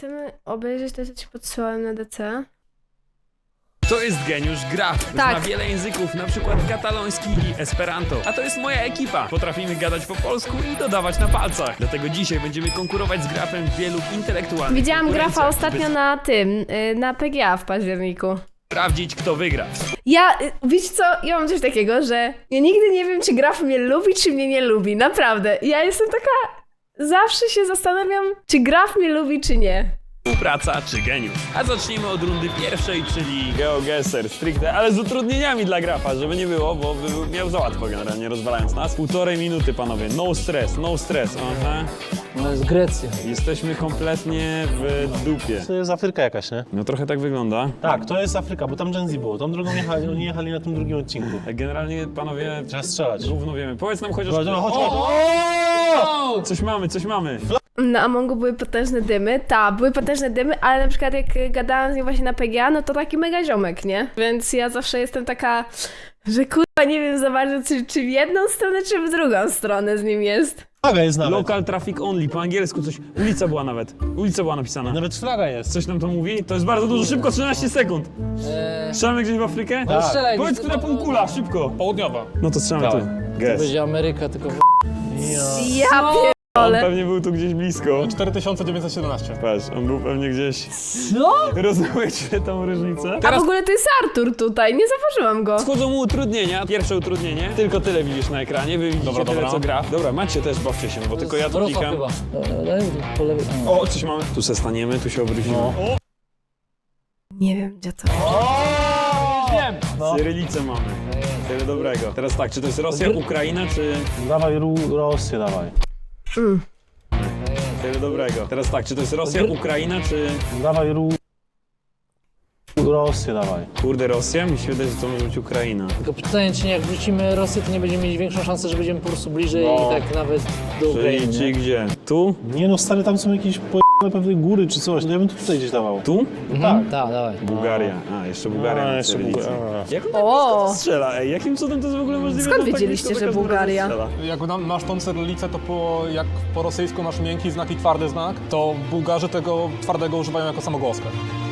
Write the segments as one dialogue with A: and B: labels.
A: chcemy obejrzeć to, co ci podsyłałem na DC.
B: To jest geniusz graf.
A: Tak.
B: Zna wiele języków, na przykład kataloński i esperanto. A to jest moja ekipa. Potrafimy gadać po polsku i dodawać na palcach. Dlatego dzisiaj będziemy konkurować z grafem w wielu intelektualnych
A: Widziałam
B: konkurencjach,
A: grafa ostatnio
B: by
A: na tym, na PGA w październiku.
B: sprawdzić, kto wygra.
A: Wiecie co, ja mam coś takiego, że ja nigdy nie wiem, czy graf mnie lubi, czy mnie nie lubi. Naprawdę. Ja jestem taka... Zawsze się zastanawiam, czy graf mnie lubi, czy nie.
B: Współpraca czy geniusz. A zacznijmy od rundy pierwszej, czyli GeoGuessr stricte, ale z utrudnieniami dla grafa, żeby nie było, bo miał za łatwo generalnie, rozwalając nas. 1,5 minuty, panowie. No stres, no stres. Aha.
C: No jest Grecja.
B: Jesteśmy kompletnie w dupie.
D: To jest Afryka jakaś, nie?
B: No trochę tak wygląda.
D: Tak, to jest Afryka, bo tam Gen Z było. Tą drogą jechali, oni jechali na tym drugim odcinku.
B: Generalnie, panowie,
D: Trzeba strzelać.
B: równo wiemy. Powiedz nam chociaż...
D: Chodź.
B: Coś mamy, coś mamy.
A: Na Amongu były potężne dymy, były potężne dymy, ale na przykład jak gadałam z nim właśnie na PGA, no to taki mega ziomek, nie? Więc ja zawsze jestem taka, że kurwa nie wiem za bardzo, czy w jedną stronę, czy w drugą stronę z nim jest.
D: Flaga jest nawet.
B: Local traffic only, po angielsku coś. Ulica była nawet. Ulica była napisana.
D: Nawet flaga jest.
B: Coś nam to mówi? To jest bardzo dużo, szybko, 13 sekund. Strzelamy gdzieś w Afrykę?
D: Tak.
C: Strzelaj,
B: Powiedz, która półkula, szybko.
E: Południowa.
B: No to strzelamy
D: Tak.
B: tu.
C: To
B: Guess.
C: będzie Ameryka, tylko
A: Ja
B: On
A: pierdolę.
B: pewnie był tu gdzieś blisko.
E: 4917.
B: Patrz, on był pewnie gdzieś...
C: Co?
B: Rozumiecie tą różnicę?
A: A w ogóle to jest Artur tutaj, nie zauważyłam go.
B: Wchodzą mu utrudnienia. Pierwsze utrudnienie. Tylko tyle widzisz na ekranie. Wy widzicie
E: Dobra,
B: tyle,
E: dobra.
B: co gra. Dobra, macie też, bawcie się, bo tylko ja tu
C: Wrocław
B: klikam.
C: chyba. Po lewej.
B: O, coś mamy. Tu se staniemy, tu się obrócimy.
D: No.
A: Nie wiem, gdzie to.
E: Wiem.
B: Cyrylicę mamy. Tyle dobrego. Teraz tak, czy to jest Rosja, Ukraina, czy...
D: Dawaj Rosję, dawaj.
B: Tyle dobrego. Teraz tak, czy to jest Rosja, Ukraina, czy...
D: Dawaj Rosję, dawaj.
B: Kurde, Rosja? Mi się wydaje, że to może być Ukraina.
C: Tylko pytanie, czy jak wrzucimy Rosję, to nie będziemy mieć większą szansę, że będziemy po prostu bliżej
D: No.
C: i tak nawet do Ukrainy.
B: Czyli
C: nie?
B: gdzie? Tu?
D: Nie no, stary, tam są jakieś pewne góry czy coś. No ja bym to tutaj gdzieś dawał.
B: Tu?
C: Tak, dawaj.
B: Bułgaria. A, jeszcze Bułgaria. na
D: jeszcze
B: cyrylicy.
D: Bułgaria.
B: Jak on tak
A: O!
B: blisko to strzela? Ej, jakim cudem to jest w ogóle możliwe?
A: Skąd
B: że on tak
A: wiedzieliście,
B: blisko
A: że
B: za każdym
A: Bułgaria?
B: razem strzela?
E: Jak masz tą cyrylicę, to jak po rosyjsku masz miękki znak i twardy znak, to Bułgarzy tego twardego używają jako samogłoskę.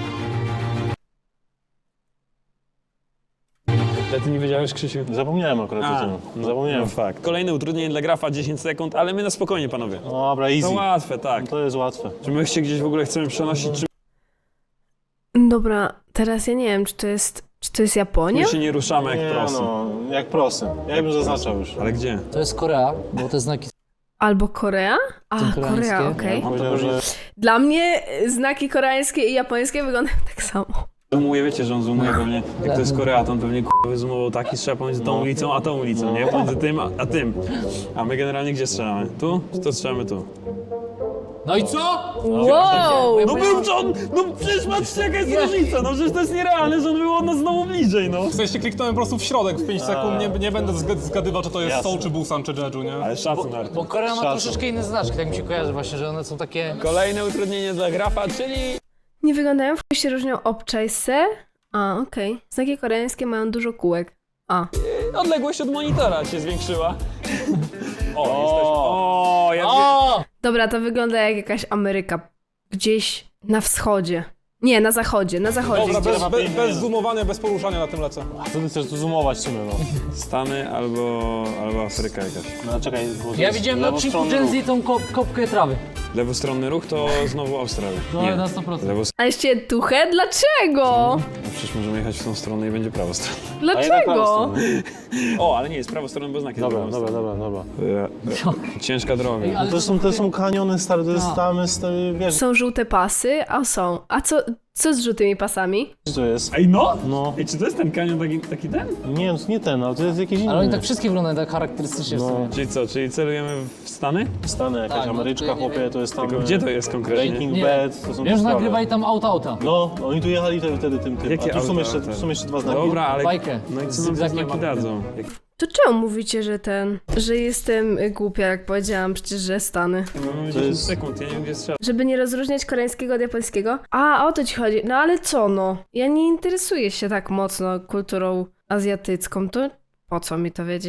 B: Ale ty nie wiedziałeś, Krzysiu?
D: Zapomniałem akurat o tym. Zapomniałem.
B: No fakt. Kolejne utrudnienie dla grafa, 10 sekund, ale my na spokojnie, panowie.
D: No dobra, easy.
B: To łatwe, tak.
D: To jest łatwe.
B: Czy my się gdzieś w ogóle chcemy przenosić, czy
A: Dobra, teraz ja nie wiem, czy to jest Japonia?
B: my się nie ruszamy jak prosy?
D: no, jak prosy. Ja bym zaznaczał już.
B: Ale gdzie?
C: To jest Korea, bo te znaki
A: Albo Korea? A,
C: koreańskie.
A: Korea, okej.
D: Powiedział, że
A: Dla mnie znaki koreańskie i japońskie wyglądają tak samo.
B: Zoomuje, wiecie, że on zoomuje pewnie. Jak to jest Korea, to on pewnie wyzoomował taki strzał pomiędzy tą ulicą, a tą ulicą, nie? Pomiędzy tym, a tym. A my generalnie gdzie strzelamy? Tu? Czy to strzelamy tu?
C: No i co?
A: Wow!
B: No był John! No przecież patrzcie jaka jest różnica! No przecież to jest nierealne, że on był od nas znowu bliżej, no.
E: W sensie kliknąłem po prostu w środek w 5 sekund, nie będę zgadywał, czy to jest
D: Jasne.
E: Seoul, czy Busan, czy Jeju, nie?
B: Ale szacun, Artur.
C: Bo Korea ma
D: Szacun.
C: troszeczkę inne znaczki, tak mi się kojarzy właśnie, że one są takie...
B: Kolejne utrudnienie dla grafa, czyli...
A: Nie wyglądają, w się różnią obczajse. A, okej. Znaki koreańskie mają dużo kółek. A.
B: Odległość od monitora się zwiększyła. O, jesteśmy. O, ja
C: O!
A: Dobra, to wygląda jak jakaś Ameryka. Gdzieś na wschodzie. Nie, na zachodzie, na zachodzie.
E: Dobra, bez zoomowania, bez poruszania na tym lecę.
D: co ty chcesz tu zoomować w sumie, no.
B: Stany albo Afryka jakaś.
D: No czekaj, bo to
C: Ja
D: jest
C: widziałem na odcinku
D: lewostronny
C: Gen Z tą kopkę trawy.
B: Lewostronny ruch to znowu Australia.
C: No
B: Nie.
C: na 100%.
A: A jeszcze tuchę? Dlaczego?
B: No przecież możemy jechać w tą stronę i będzie prawostronny.
D: A jednak
A: Dlaczego?
D: lewostronny.
B: O, ale nie, jest prawostronny, bo znak jest
D: Dobra,
B: prawostronny.
D: dobra.
B: Ciężka droga.
C: Ej, ale
D: To są kaniony, stary, to jest
C: No.
D: tam, jest, wiesz,
A: Są żółte pasy? A są. A co z żółtymi pasami?
D: co to jest?
B: Ej, no!
D: No,
B: Ej, czy to jest ten kanion taki ten?
D: nie, to nie ten, ale to jest jakiś inny.
C: Ale oni tak wszystkie wyglądają tak charakterystycznie w
D: No.
C: sumie.
B: Czyli co, czyli celujemy w Stany?
D: Stany, jakaś
C: Tak, no,
D: Ameryczka,
C: to ja nie
D: chłopie, to jest tam...
B: Tylko gdzie to jest konkretnie?
D: Breaking
C: Nie.
D: Bad, to są
C: Wiesz,
D: te sprawy.
C: nagrywali tam auta.
D: No, oni tu jechali wtedy tym.
B: Jakie
D: A tu są
B: auta,
D: jeszcze,
B: te?
D: tu są jeszcze dwa znaki.
B: Dobra, ale...
C: Bajkę.
B: No i co
C: Z
B: nam te
C: zygzakiem
B: znaki
C: mamy.
B: dadzą?
A: To czemu mówicie, że jestem głupia, jak powiedziałam przecież, że Stany?
B: Mamy
D: To
B: 10
D: jest-
B: sekund, ja nie wiem gdzie strzelać.
A: Żeby nie rozróżniać koreańskiego od japońskiego? A, o to ci chodzi. No ale co no? Ja nie interesuję się tak mocno kulturą azjatycką, to po co mi to wiedzieć?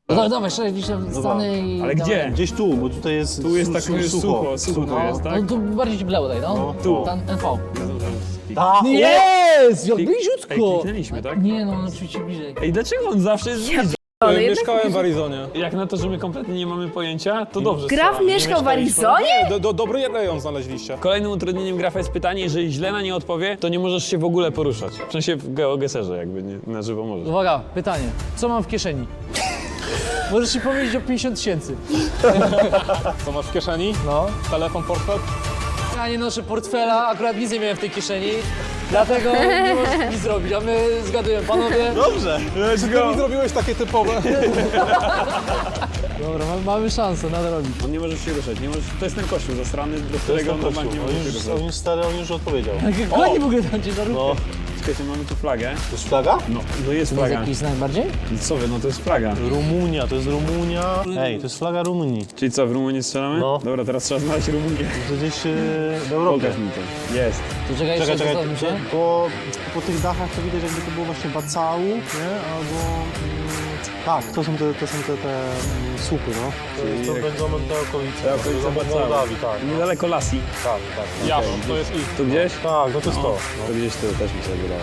C: No dawaj, szczerze, gdzieś tam stanę i...
B: Ale gdzie?
D: Gdzieś tu, bo tutaj jest
B: Tu jest tak sucho tu jest, tak?
C: No tu bardziej ci bleło daj, no.
B: Tu.
C: Tam NV.
D: A,
C: Jest! Jak
B: Ej,
C: bliziutko!
B: kliknęliśmy, tak?
C: Nie no, oczywiście bliżej.
B: Ej, dlaczego on zawsze jest bliżej?
A: Ale jednak
E: Mieszkałem w Arizonie.
B: Jak na to, że my kompletnie nie mamy pojęcia, to dobrze.
A: Graf
B: strzelamy.
A: mieszkał w Arizonie?
E: Dobry rejon znaleźliście.
B: Kolejnym utrudnieniem grafa jest pytanie, jeżeli źle na nie odpowie, to nie możesz się w ogóle poruszać. W sensie w GeoGuessrze jakby, nie, na żywo możesz.
C: Uwaga, pytanie. Co mam w kieszeni? Możesz ci powiedzieć o 50 000.
E: Co masz w kieszeni?
C: No.
E: Telefon, portfel?
C: Ja nie noszę portfela, akurat nic nie miałem w tej kieszeni. Dlatego nie możesz nic zrobić, a my zgadujemy, panowie.
D: dobrze.
B: Let's
E: Ty mi zrobiłeś takie typowe.
C: Dobra, mamy szansę nadrobić.
B: On nie może się ruszać, nie możesz, to jest ten kościół zasrany, do którego on na bank nie może się ruszać.
D: On już stary, on już odpowiedział.
C: Jak goni w ogóle tam cię na ruch.
D: No,
B: Czekajcie, mamy tu flagę.
D: to jest flaga?
B: No jest
C: To jest
B: flaga.
C: jakiś znak bardziej?
B: Co wy, no to jest flaga.
D: Rumunia, to jest Rumunia. Ej, to jest flaga Rumunii.
B: Czyli co, w Rumunii strzelamy?
D: No.
B: Dobra, teraz trzeba znaleźć Rumunię.
D: To gdzieś w Europie.
B: Pokaż mi to. Jest.
C: To czekaj, jeszcze
D: Czekaj,
C: zastanów się.
D: po tych dachach to widać jakby to było właśnie Bacału, nie? Albo... tak, to są te słupy, no. To będą te okolice.
B: Te okolice Bacału.
D: Mołdawii, tak.
B: Niedaleko Lasi.
D: Tak.
E: Jasno, to jest ich.
B: Tu gdzieś?
D: Tak, no to jest to.
B: To gdzieś tu też mi się wydało.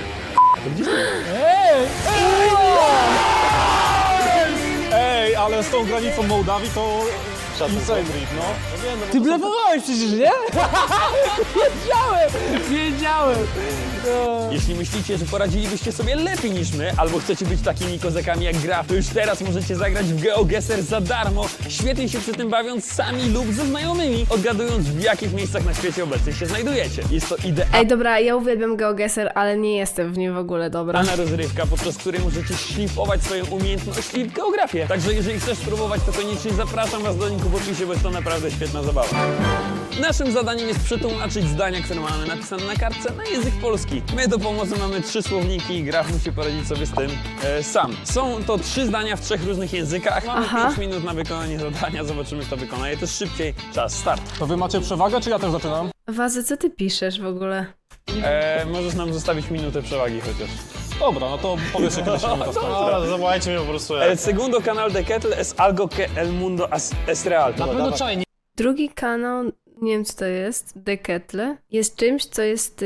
E: Ej, ale z tą granicą Mołdawii to insane read, no.
C: Ty blefowałeś przecież, nie? Wiedziałem!
B: Jeśli myślicie, że poradzilibyście sobie lepiej niż my, albo chcecie być takimi kozakami jak Graf, to już teraz możecie zagrać w GeoGuessr za darmo, świetnie się przy tym bawiąc sami lub ze znajomymi, odgadując w jakich miejscach na świecie obecnie się znajdujecie. Jest to
A: Ej, dobra, ja uwielbiam GeoGuessr, ale nie jestem w nim w ogóle dobra.
B: idealna rozrywka, podczas której możecie szlifować swoją umiejętności w geografię. Także jeżeli chcesz spróbować, to koniecznie zapraszam Was do linku w opisie, bo jest to naprawdę świetna zabawa. Naszym zadaniem jest przetłumaczyć zdania, które mamy napisane na kartce, na język polski. My do pomocy mamy 3 słowniki i Graf musi poradzić sobie z tym sam. Są to 3 zdania w 3 różnych językach. Mamy 5 minut na wykonanie zadania, zobaczymy kto wykona je też szybciej. Czas, start.
E: To wy macie przewagę, czy ja też zaczynam?
A: Wazy, co ty piszesz w ogóle?
B: Możesz nam zostawić minutę przewagi chociaż.
E: Dobra, no to powiesz, kiedy się mi to skończy.
D: Ale zawołajcie mnie po prostu
B: El segundo canal de Kettle es algo que el mundo es real.
C: Na pewno czajnik.
A: Drugi kanał, nie wiem co to jest, Deketle, jest czymś, co jest,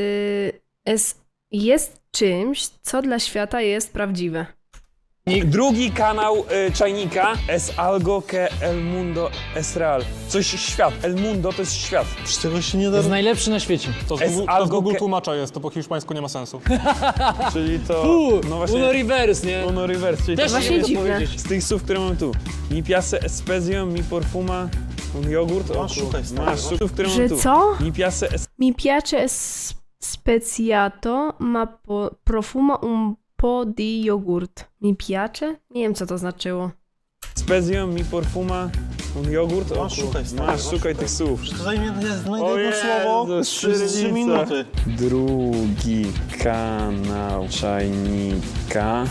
A: jest czymś, co dla świata jest prawdziwe.
B: I drugi kanał czajnika es algo que el mundo es real. Coś świat. El mundo to jest świat.
D: Z tego się nie
C: To
D: da...
C: jest najlepszy na świecie.
E: To z
B: Es
E: Google, to
B: algo
E: z Google
B: que-
E: tłumacza jest, to po hiszpańsku nie ma sensu.
B: Czyli to... No
C: Uno
B: właśnie...
C: reverse, nie?
B: Uno reverse, czyli
C: Też
B: to
A: właśnie
C: nie wiem, co
A: dziwne.
C: powiedzieć.
B: z tych słów, które mam tu. Mi piace espezio, mi perfuma, un jogurt.
D: Masz, szukaj, stary,
B: Masz słów, które
A: Że
B: mam tu.
A: co?
B: Mi piace
A: Mi piace speciato ma profuma un po di jogurt. Mi piace? Nie wiem co to znaczyło.
B: espezio, mi perfuma, un jogurt.
D: Masz, szukaj, stary,
B: Masz, szukaj tych słów.
D: To zajmie znajdę
B: O
D: jedno słowo,
B: Jezus,
D: 3
B: cyrylica.
D: minuty.
B: Drugi kanał czajnika.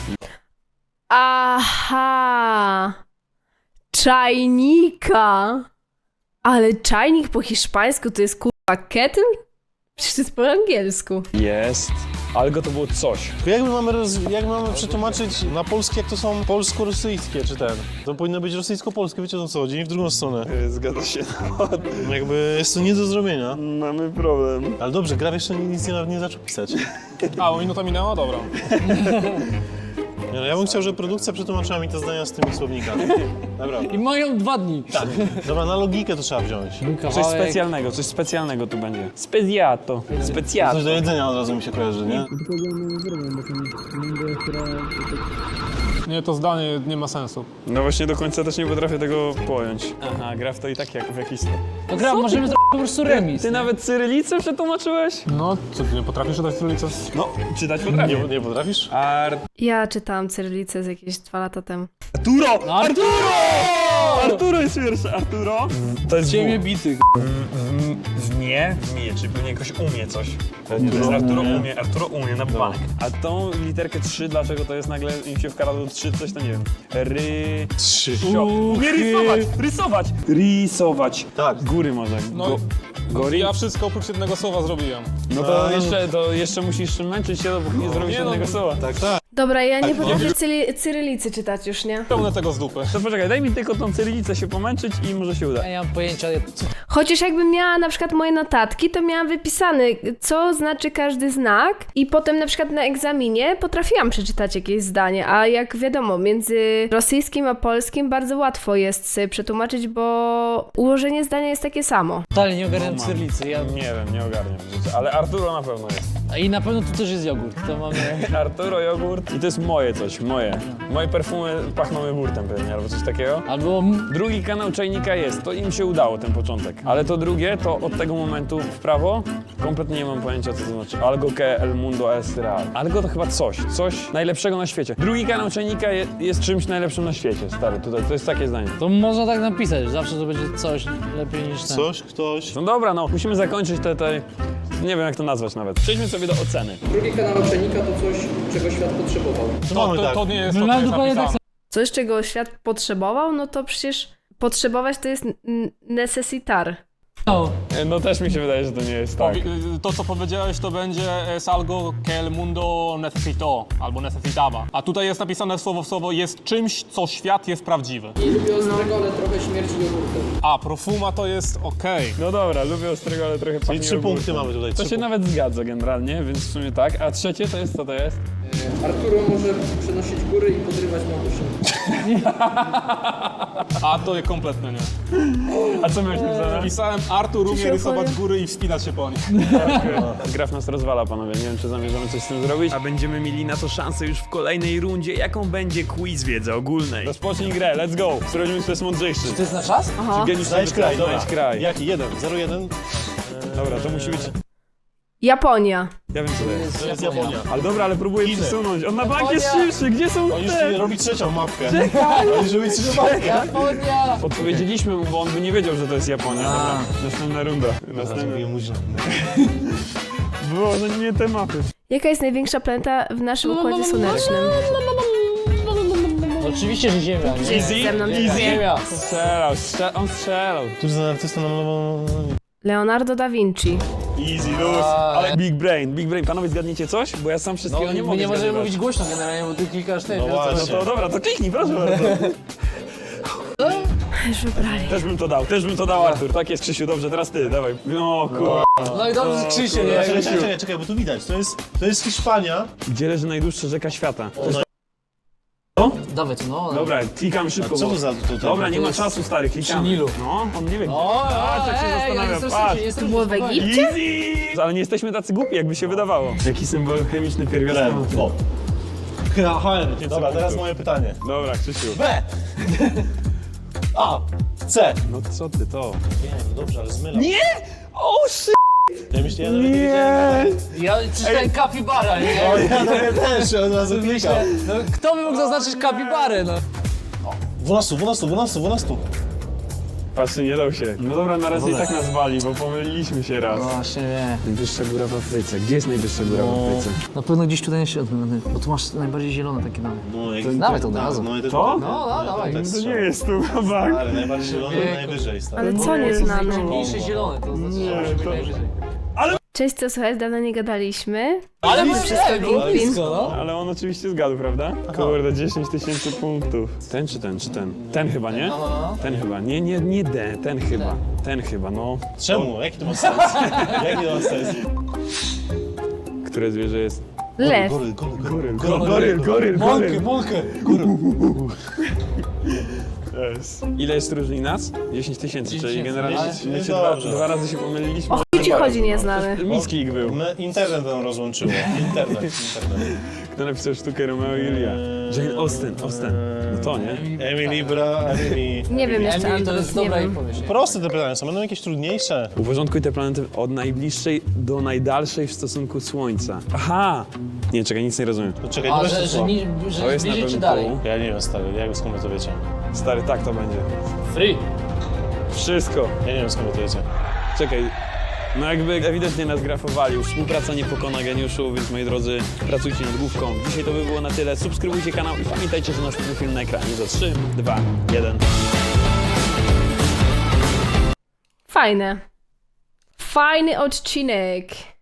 A: Aha! Czajnika! Ale czajnik po hiszpańsku to jest kurwa kettle? Przecież to jest po angielsku.
B: Jest. Algo to było coś.
D: To jak mamy przetłumaczyć na polski, jak to są polsko-rosyjskie, czy ten? To powinno być rosyjsko-polskie, wiecie o co chodzi, w drugą stronę.
B: Zgadza się.
D: Jakby jest to nie do zrobienia.
B: Mamy problem.
D: Ale dobrze, Graf jeszcze nic nie zaczął pisać.
E: A, o minuta minęła? Dobra.
D: Nie, no, ja bym chciał, żeby produkcja przetłumaczyła mi te zdania z tymi słownikami. Dobra.
C: I mają 2 dni. Tak.
D: Dobra, na logikę to trzeba wziąć.
B: Coś specjalnego tu będzie. Speziato. Specjato.
D: Coś do jedzenia od razu mi się kojarzy, nie?
E: Nie, to zdanie nie ma sensu.
B: No właśnie do końca też nie potrafię tego pojąć. Aha, Graf to i tak jak w jakiś...
C: No gra, możemy zrobić po prostu remis.
B: Ty nawet cyrylicę przetłumaczyłeś?
E: No, co, ty nie potrafisz czytać cyrylicę?
B: No, czytać potrafię.
D: Nie potrafisz?
A: Ja czytałam cyrylicę z jakieś 2 lata temu.
B: Arturo!
C: Arturo!
B: Arturo jest pierwszy. Arturo? To jest
C: Ciebie bity.
B: Nie, czyli pewnie jakoś umie coś. To jest Arturo umie na bank. A tą literkę 3, dlaczego to jest nagle im się wkradło 3, coś to nie wiem. Umie rysować.
D: Tak.
B: Góry może.
E: No,
B: Gori?
E: ja wszystko oprócz jednego słowa zrobiłem.
B: No to jeszcze musisz męczyć się, dopóki nie zrobisz
E: nie no,
B: jednego słowa.
D: Tak, tak.
A: Dobra, ja nie potrafię cyrylicy czytać już, nie?
E: Pełne tego z dupy.
B: To poczekaj, daj mi tylko tą cyrylicę się pomęczyć i może się uda.
C: Ja nie mam pojęcia, co...
A: Chociaż jakbym miała na przykład moje notatki, to miałam wypisane, co znaczy każdy znak i potem na przykład na egzaminie potrafiłam przeczytać jakieś zdanie, a jak wiadomo, między rosyjskim a polskim bardzo łatwo jest sobie przetłumaczyć, bo ułożenie zdania jest takie samo.
C: Totalnie nie ogarniam cyrylicy.
B: Nie wiem, nie ogarniam życia, ale Arturo na pewno jest.
C: I na pewno tu też jest jogurt, to mamy...
B: Arturo, jogurt i to jest moje coś, moje. Moje perfumy pachną jogurtem pewnie, albo coś takiego.
C: Albo...
B: Drugi kanał Czajnika jest, to im się udało, ten początek. Ale to drugie, to od tego momentu w prawo, kompletnie nie mam pojęcia, co to znaczy. Algo que el mundo es real. Algo to chyba coś najlepszego na świecie. Drugi kanał Czajnika jest czymś najlepszym na świecie, stary, tutaj, to jest takie zdanie.
C: To można tak napisać, zawsze to będzie coś lepiej niż ten.
D: Coś, ktoś.
B: No dobra, no, musimy zakończyć te nie wiem jak to nazwać nawet. Przejdźmy sobie do oceny.
F: Drugi kanał Czajnika to coś, czego świat potrzebował.
E: To nie jest
C: No,
E: to, co jest
C: dokładnie tak
E: napisane.
A: Coś, czego świat potrzebował, no to przecież potrzebować to jest necesitar.
C: samo.
B: No też mi się wydaje, że to nie jest tak.
E: To, co powiedziałeś, to będzie es algo que el mundo necesitó, albo necesitaba. A tutaj jest napisane słowo w słowo, jest czymś, co świat jest prawdziwy.
F: I lubię ostrego, ale trochę śmierci jogurtem.
E: A, profuma to jest okej.
B: No dobra, lubię ostrego, ale trochę
D: Czyli
B: pachnie
D: 3
B: jogurtem.
D: punkty mamy tutaj.
B: To
D: 3
B: się nawet zgadza generalnie, więc w sumie tak. A trzecie to jest, co to jest?
F: Arturo może przenosić góry i podrywać mamusię.
E: A to jest kompletnie nie.
B: A co miałeś napisane?
E: Pisałem, Artur umie
A: się
E: rysować
A: opowie?
E: góry i wspinać się po nich.
B: Graf nas rozwala, panowie. Nie wiem, czy zamierzamy coś z tym zrobić. A będziemy mieli na to szansę już w kolejnej rundzie, jaką będzie quiz wiedzy ogólnej. Rozpocznij grę, let's go. Sprawdzimy, kto jest mądrzejszy.
C: To jest na czas?
A: Aha.
B: Geniusz
D: Znajdź kraj, dobra.
B: Znajdź kraj.
D: Jaki? 0-1.
B: Dobra, to musi być...
A: Japonia.
B: Ja wiem, co to jest.
D: To jest Japonia.
B: Ale dobra, ale próbuję
D: Chiny.
B: przesunąć. On na bank jest szybszy, gdzie są
D: On już
B: te?
D: robi trzecią mapkę. Czekaj! On już robi trzecią mapkę.
C: Japonia!
B: Podpowiedzieliśmy mu, bo on by nie wiedział, że to jest Japonia. Dobra, następna runda. Następna. Było, no nie te mapy.
A: Jaka jest największa planeta w naszym Układzie Słonecznym?
C: Oczywiście, że Ziemia, nie?
B: Easy?
A: Ze mną nie
B: Easy?
C: Ziemia.
B: On strzelał.
D: Który za artysta namalował...
A: Leonardo da Vinci.
B: Easy, luz. Ale Big Brain. Panowie, zgadnijcie coś? Bo ja sam wszystkiego
C: No,
B: nie
C: my
B: mogę
C: nie możemy
B: zgadywać.
C: mówić głośno generalnie, bo ty klikasz ty.
D: No
C: wiesz, co
D: właśnie.
C: chodzi.
B: No to dobra, to kliknij, proszę bardzo.
A: Już wybrali.
B: Też bym to dał, Artur. Tak jest, Krzysiu, dobrze, teraz ty, dawaj. No kurwa.
C: No i dobrze, Krzysiu, nie?
D: Czekaj, bo tu widać. To jest Hiszpania.
B: Gdzie leży najdłuższa rzeka świata?
C: Dawaj to, no.
B: Dobra, klikam szybko,
D: Co
B: bo...
D: to za tutaj?
B: Dobra, nie ma czasu, stary, klikamy.
C: Przy Nilu.
B: No, on nie wie.
C: O,
B: Patrz, jak się
C: ja
B: zastanawia,
C: jestem
B: patrz.
C: szybciej, jestem
A: Było w
C: szybciej.
A: Egipcie?
B: Easy! Ale nie jesteśmy tacy głupi, jakby się wydawało. Jaki symbol chemiczny pierwiastek?
D: O. Dobra, teraz moje pytanie.
B: Dobra, Krzysiu.
D: B. A. C.
B: No co ty to?
D: Nie, no dobrze, ale zmylam.
B: Nie! O, shit!
D: Ja myślę, ja nawet nie wiedziałem.
C: Ja przeczytałem kapibara, nie?
D: Ja też od razu klikam.
C: Myślę, no kto by mógł zaznaczyć kapibarę, no?
D: 12.
B: Patrzcie, nie dał się. No dobra, na razie i tak nas wali, bo pomyliliśmy się raz.
C: Właśnie, nie.
B: Najwyższa góra w Afryce. Gdzie jest najwyższa góra w Afryce?
C: Na pewno gdzieś tutaj na środku, bo tu masz najbardziej zielone takie damy.
D: No, jak...
C: Dawaj to od razu.
D: No, ja też
B: To?
C: No, dawaj.
D: tak
B: To nie
D: strzelam.
B: jest tu, bank.
D: Ale najbardziej zielony, najwyżej, stary.
A: Ale co nie znamy?
C: Najmniejsze zielone, to znaczy, że może być najwyżej.
A: Cześć, co słychać? Dawno nie gadaliśmy.
C: Ale my
A: Wszystko
C: blisko, no.
B: Ale on oczywiście zgadł, prawda? Kurde, 10 000 punktów. Ten czy ten, czy ten? Ten chyba, nie? Ten chyba. Nie D, ten chyba. Ten chyba, no.
D: Czemu? Jaki to ma sens? Jaki to ma sens?
B: Które zwierzę jest?
A: Lew.
B: Goryl.
C: Mąkę.
B: Yes. Ile jest różni nas? 10 000, czyli generalnie my się
D: Dobrze.
B: dwa razy się pomyliliśmy.
A: O chuj ci chodzi, nie znamy.
B: Mickey był.
D: Internet nam rozłączyło. Internet.
B: Kto napisał sztukę Romeo i Julia? Jane Austen. No to, nie?
D: Emily.
A: Nie wiem jeszcze,
C: Emily to jest
A: Andrus, nie
C: dobra
A: wiem.
C: pomyśl.
D: Proste te pytania są, będą jakieś trudniejsze.
B: Uporządkuj te planety od najbliższej do najdalszej w stosunku Słońca. Aha! Nie, czekaj, nic nie rozumiem.
D: To czekaj,
C: A,
D: weź to
C: że
D: słowo.
B: To jest na
C: bliżej czy
B: pewno
C: dalej?
B: tu.
D: Ja nie wiem, stary, jak skąd wy to wiecie?
B: Stary, tak to będzie.
C: Free.
B: Wszystko.
D: Ja nie wiem, skąd wy to wiecie.
B: Czekaj. No jakby ewidentnie nas grafowali, już współpraca nie pokona geniuszu, więc moi drodzy, pracujcie nad główką. Dzisiaj to by było na tyle. Subskrybujcie kanał i pamiętajcie, że następny film na ekranie za 3, 2, 1.
A: Fajne. Fajny odcinek.